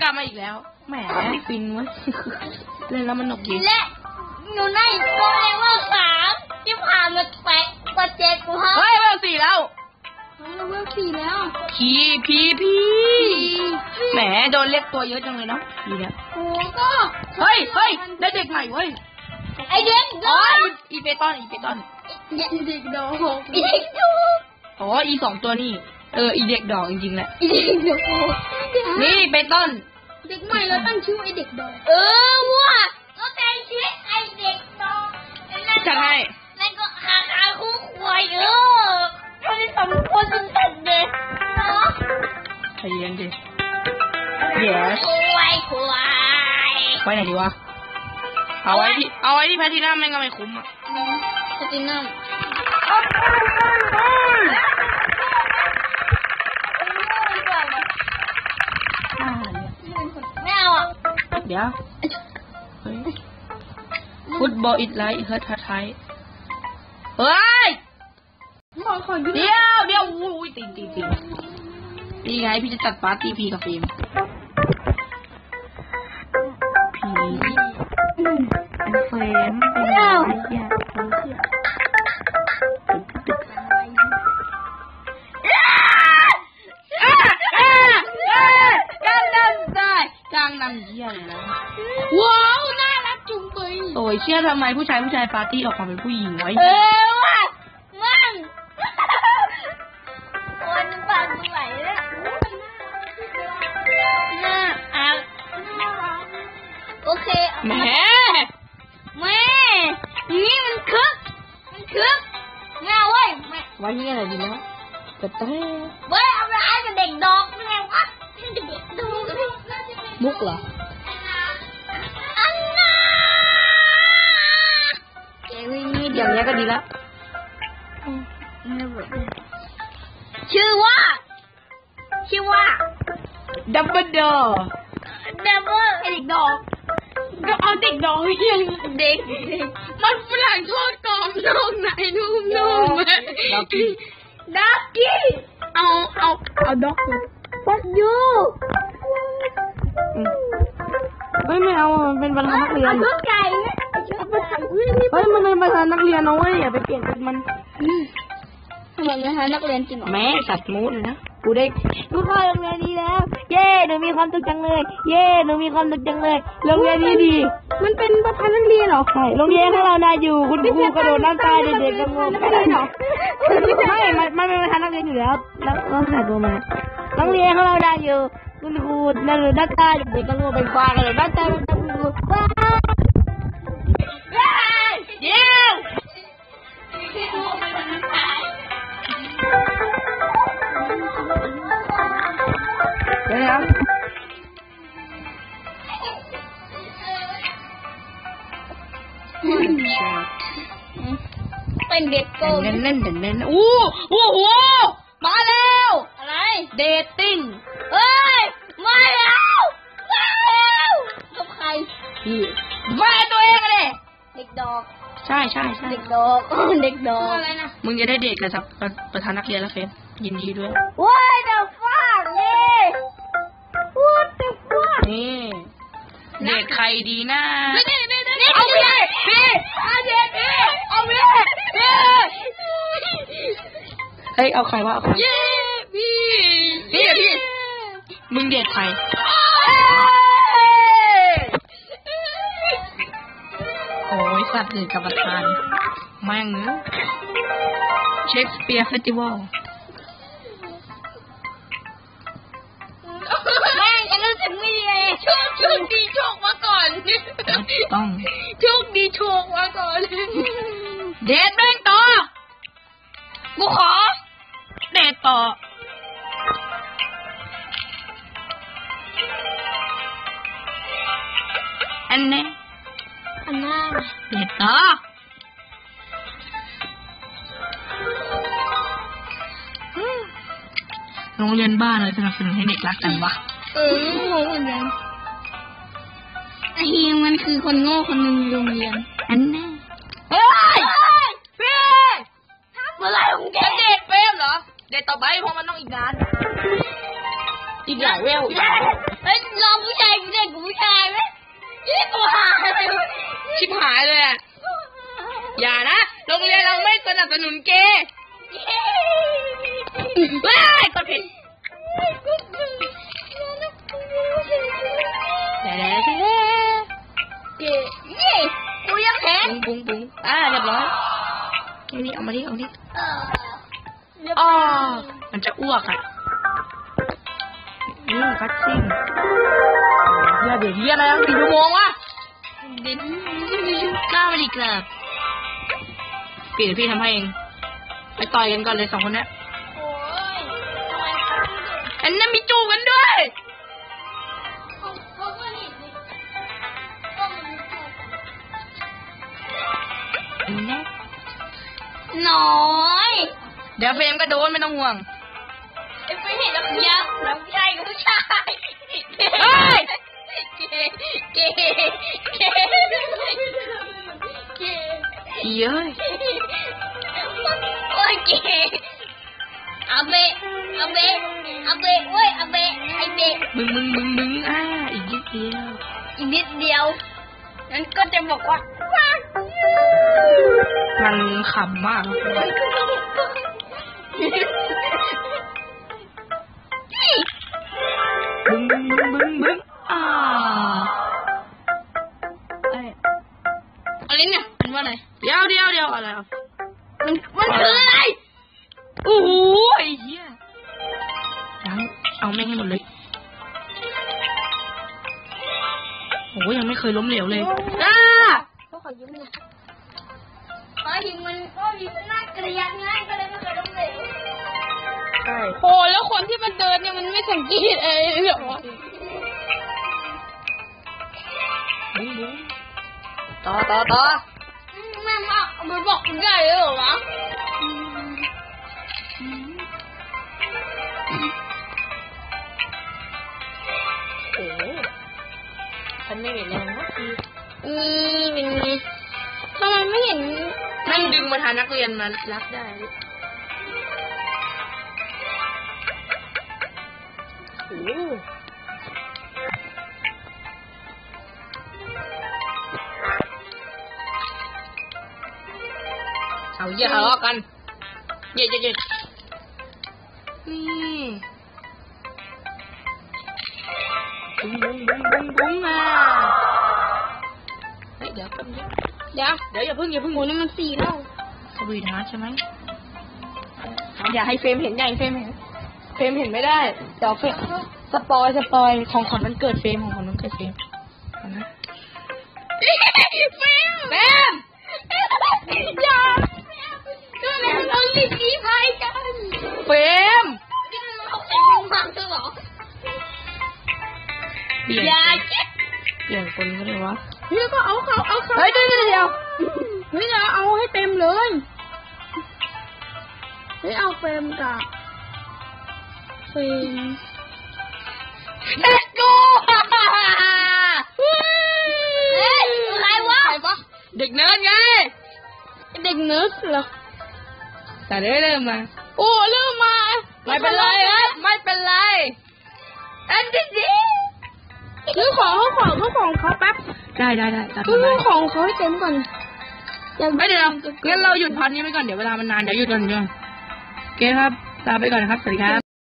กลับมาอีกแล้วแหมฟินวะเล่นแล้วมันหนุกดีและหนูได้ตัวเองว่า3ที่ผ่านมาแปะกว่า7กูฮะเฮ้ยเวล4แล้วเราเวล4แล้วพีแหมโดนเรียกตัวเยอะจังเลยเนาะพีเนี่ยโอ้ก็เฮ้ยได้เด็กใหม่เว้ยไอเด็กดอกอีเปตันเด็กดอกอ๋ออี2ตัวนี่อีเด็กดอกจริงๆแหละอีเด็กดอกนี่เปตันเด็กใหม่เราตั้งชื่อไอเด็กดอกว่ะเราแต่งชื่อไอเด็กดอกจะให้แล้วก็หาคู่ควายเขาได้2คนสุดๆเลยเนาะใจเย็นดิyes ควายไว้ไหนดีวะเอาไว้ที่แพทินัมแม่งก็ไม่คุ้มอ่ะแพทินัมไม่เอาอ่ะเดี๋ยวฟุตบอลอิดไลท์เฮิร์ทไทยเฮ้ยเดี๋ยวอุ้ยตีนี่ไงพี่จะจัดปาร์ตี้พีกับฟิล์มเฟรมกลางนำเยี่ยเลยนะว้าวน่ารักจุงเบยโอ้ยเชื่อทำไมผู้ชายปาร์ตี้ออกมาเป็นผู้หญิงไว้ว่ะมันโอ้ยมันปั่นไหวเลยโอเคแม่นี่มันคึกแม่เว้ยไว้ที่อะไรดีนะกระเต้เว้ยเอาอะไรกับเด็กดอกแม่วะเด็กดอกมุกเหรออันน่าอย่างนี้ก็ดีแล้วชื่อว่าดับเบิลดอเด็กดอกก็เอาเด็กดอกยังเด็กมันฝรั่งทอดกรอบนอกไหนนุ่มด็อกกี้เอาด็อกปัดยูไม่เอามันเป็นประธานนักเรียนชุดไก่เฮ้ยมันเป็นประธานนักเรียนนะเว้ยอย่าไปเปลี่ยนชุดมันมันประธานนักเรียนจริงเหรอแม่สัตว์มูดเลยนะกูเข้าโรงเรียนนี้แล้วเย้หนูมีความสุขจังเลยโรงเรียนนี้ดีมันเป็นประธานนักเรียนเหรอใช่โรงเรียนของเราน่าอยู่คุณครูกระโดดน้ำตายเด็กๆก็งงไม่ได้หรอไม่มันเป็นประธานนักเรียนอยู่แล้วถ่ายตัวมาโรงเรียนของเราน่าอยู่คุณครูนั่งอยู่ด้านใต้เด็กก็งงเป็นควายกันเลยด้านใต้มันจะครูเย้เป็นเด็กโกงเล่นโอ้โหมาแล้วอะไรเดทติ้งมาแล้วกับใครแฟนตัวเองเลยเด็กดอกใช่เด็กดอกอะไรนะมึงจะได้เดทกับประธานนักเรียนแล้วเฟนยินดีด้วยว้ายเด็กฟ้านี่what the fuck นี่เดทใครดีนะเอาพี่เอาพี่เฮ้ยเอาใครวะเอาใครพี่มึงเดทใครโอ้ยสัตว์เดทกับประธานแม่งเนอะเชคสเปียร์เฟสติวัลแม่งจะรู้สึกไม่ดีเลยโชคดีโชคมาก่อนต้องโชคดีโชคมาก่อนเดทแม่งต่อกูขอเดทต่ออันนี้เดทต่อโรงเรียนบ้านเลยสนับสนุนให้เด็กรักกันวะโง่เหมือนกันไอ้เฮียมันคือคนโง่คนหนึ่งโรงเรียนอันนี้พี่เมื่อไรของแกเดทเฟมเหรอเดทต่อไปเพราะมันต้องอีกนานอีกหลายเวลเฮ้ยรอผู้ชชิบหายเลยอ่ะอย่านะโรงเรียนเราไม่สนับสนุนเกย์ว้ายกดผิดเย้กูยังแพ้ปุ้งเรียบร้อยนี่เอามาดิมันจะอ้วกอ่ะคัดซิ่งเดี๋ยวอะไรอ่ะกี่ชั่วโมงวะเด็ดก้าวไปดีกลับพี่ทำให้เองไปต่อยกันก่อนเลย2 คนนี้โอ้ยทำไมอันนั้นมีจูบกันด้วยเขาก็นี่ก็มันน้อยเดี๋ยวเฟรมก็โดนไม่ต้องห่วงไอ้ไม่เห็นน้ำยักษ์น้ำใหญ่กับผู้ชายเฮ้ยเก๋เย้ยโอ้ยเก๋อาเบะเว้ยอาเบะไอเบะบึ้งอีกนิดเดียวอีกนิดเดียวงั้นก็จะบอกว่ามันขำมากบึ้งอะไรเนี่ยมันว่าอะไรเดี๋ยวอะไรอ่ะมันคืออะไรโอ้โหไอ้เหี้ยยังเอาแม่งให้หมดเลยโอ้ยังไม่เคยล้มเหลวเลยก็ขอยืมเนี่ยหิมมันน่าเกลียดง่ายก็เลยไม่เคยล้มเหลวใช่โหแล้วคนที่มันเดินเนี่ยมันไม่สังเกตเหรอบึ้งต่อแม่มามันบอกคุณได้เลยเหรอวะโอ้ฉันไม่เห็นแรงนะคือเป็นไงทำไมไม่เห็นนั่งดึงมาทานนักเรียนมารักได้โอ้เอาอย่าทะเลาะกันเย่นี่บุ้งมาเฮ้ยเดี๋ยวอย่าเพิ่งโหนี่มัน4แล้วสวีทฮาร์ทใช่ไหมอย่าให้เฟรมเห็นเฟรมเห็นไม่ได้เดี๋ยวเฟรมสปอยของขวัญวันเกิดเฟรมนะเฟรมอย่าก็เลยเราลิ้นกี้พายกันเฟรมนี่มันเอาไอ้มึงมาด้วยเหรออย่าเจ็บเปลี่ยนคนก็เลยวะนี่ก็เอาเฮ้ยเดี๋ยวนี่จะเอาให้เต็มเลยนี่เอาเฟรมกับเฟรมเด็กกูเฮ้ยใครวะเด็กเนิร์ดไงเด็กเนิร์ดเหรอแต่เริ่มมาโอ้เริ่มมาไม่เป็นไรอันที่ดีซื้อของเขาแป๊บได้ซื้อของเขาให้เต็มก่อนไม่เดี๋ยวงั้นเราหยุดพันนี้ไปก่อนเดี๋ยวเวลามันนานเดี๋ยวหยุดก่อนโอเคครับลาไปก่อนครับสวัสดีครับ